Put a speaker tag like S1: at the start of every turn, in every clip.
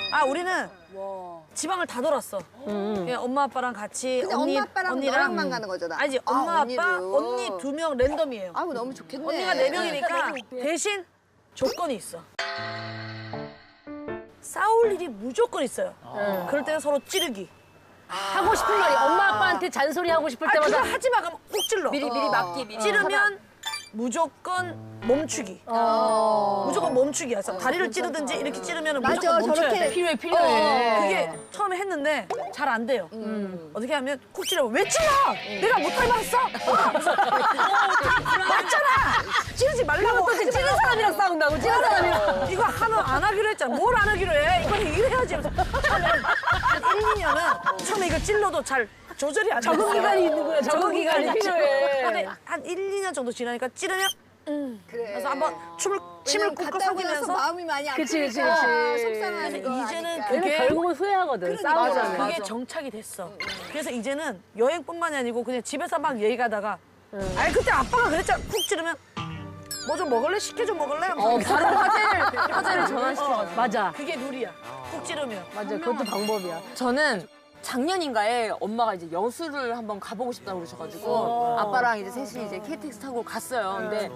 S1: 아 우리는 지방을 다 돌았어. 그냥 엄마 아빠랑 같이
S2: 근데
S1: 언니
S2: 엄마 아빠랑
S1: 언니랑
S2: 너랑만 가는 거잖아.
S1: 아니지
S2: 아,
S1: 엄마
S2: 언니를.
S1: 아빠 언니 2명 랜덤이에요.
S2: 아우 너무 좋겠네.
S1: 언니가 4명이니까 대신 조건이 있어. 싸울 일이 무조건 있어요. 그럴 때는 서로 찌르기.
S3: 하고 싶은 말이 엄마 아빠한테 잔소리 하고 싶을
S1: 아 그거
S3: 때마다
S1: 하지 마 그러면 꼭 찔러.
S4: 미리 막기 미리.
S1: 찌르면 무조건 멈추기. 무조건 멈추기야. 그래서 다리를 찌르든지 이렇게 찌르면
S2: 맞아,
S1: 무조건 멈춰야
S2: 저렇게
S1: 돼.
S3: 필요해.
S1: 그게 처음에 했는데 잘 안 돼요. 어떻게 하면 콕 찌르면 왜 찔러? 내가 못할 말했어? 맞잖아. 찌르지 말라고. 하지
S3: 찌른 사람이랑 싸운다고 찌른 사람이랑.
S1: 이거 하면 안 하기로 했잖아. 뭘 안 하기로 해? 이건 이래야지. 처음에 한 1, 2년은 처음에 이거 찔러도 잘 조절이 안 돼.
S3: 적응 기간이 있는 거야. 적응 기간이 필요해.
S1: 근데 한 1, 2년 정도 지나니까 찌르면
S2: 그래.
S1: 그래서 한번 침을
S2: 왜냐면
S1: 꾹꾹
S2: 갔다 오고 나서
S1: 삼키면서
S2: 마음이 많이
S3: 그치, 그치,
S2: 아프니까
S3: 그치.
S2: 속상하는
S1: 그래서
S2: 거
S1: 이제는
S2: 아니까.
S1: 그게
S3: 결국은 후회하거든. 싸우고
S1: 맞아.
S3: 나면.
S1: 그게 정착이 됐어. 그래서 이제는 여행뿐만이 아니고 그냥 집에서 막 얘기 가다가 아니 그때 아빠가 그랬잖아. 푹 찌르면 뭐 좀 먹을래? 시켜 좀 먹을래?
S4: 바로 화제를 전환시켜.
S3: 맞아.
S1: 그게 룰이야. 푹 찌르면.
S3: 맞아. 그것도 방법이야.
S4: 저는 작년인가에 엄마가 이제 여수를 한번 가보고 싶다고 그러셔가지고 아빠랑 이제 셋이 이제 KTX 타고 갔어요. 근데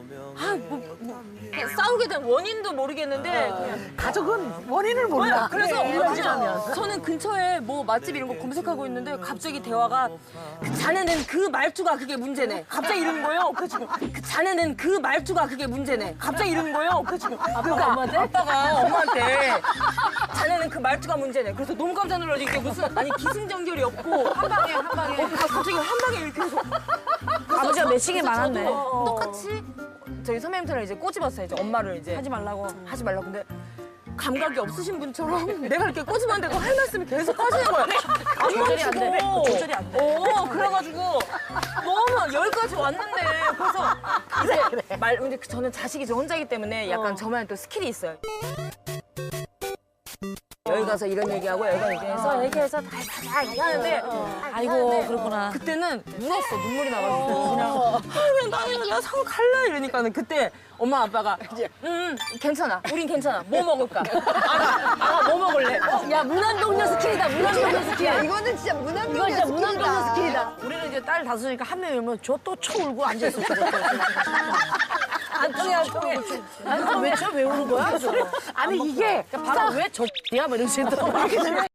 S4: 그냥 싸우게 된 원인도 모르겠는데 그냥
S1: 가족은 원인을 몰라.
S4: 그래서
S1: 그러면
S4: 저는 근처에 뭐 맛집 이런 거 검색하고 있는데 갑자기 대화가 자네는 그 말투가 그게 문제네. 갑자기 이러는 거예요. 그래서 자네는 그 말투가 그게 문제네. 갑자기 이러는 거예요. 그래서
S3: 아빠가 엄마한테?
S4: 아빠가 엄마한테 자네는 그 말투가 문제네. 그래서 너무 깜짝 놀라서 이게 무슨 아니 기승전결이 없고
S1: 한 방에 한 방에.
S4: 갑자기 한 방에 이렇게 해서
S1: 아버지가 매칭이 많았네.
S4: 똑같이 저희 선배님처럼 이제 꼬집었어요. 이제 엄마를 이제
S1: 하지 말라고.
S4: 하지 말라고. 근데 감각이 없으신 분처럼 내가 이렇게 꼬집었는데 할 말씀이 계속 하시는 거야. 안
S1: 조절이 안 돼.
S4: 멈추고.
S1: 조절이 안 돼.
S4: 그래가지고 너무 여기까지 왔는데 그래서 이제 근데 저는 자식이 저 혼자이기 때문에 약간 저만의 또 스킬이 있어요. 여기 가서 이런 얘기하고 여기 가서 얘기해서 다 얘기하는데
S1: 아이고 그렇구나.
S4: 그때는 울었어. 눈물이 나가지고 그냥 그냥 나 서울 갈래 이러니까는 그때 엄마 아빠가 괜찮아. 우린 괜찮아. 뭐 먹을까? 아가 뭐 먹을래?
S3: 야, 무난동녀 스킬이다. 무난동녀 스킬.
S2: 야, 이거는 진짜
S3: 이거
S2: 무난동녀
S3: 진짜 무난동녀 스킬이다.
S1: 우리는 이제 딸 다섯이니까 한 명이 오면 저 또 쳐 울고 앉아있어.
S3: 안 통해, 안 통해.
S1: 왜 우는 거야?
S3: 아니, 이게
S1: 바로 왜 저, 야, 뭐 이런 식으로.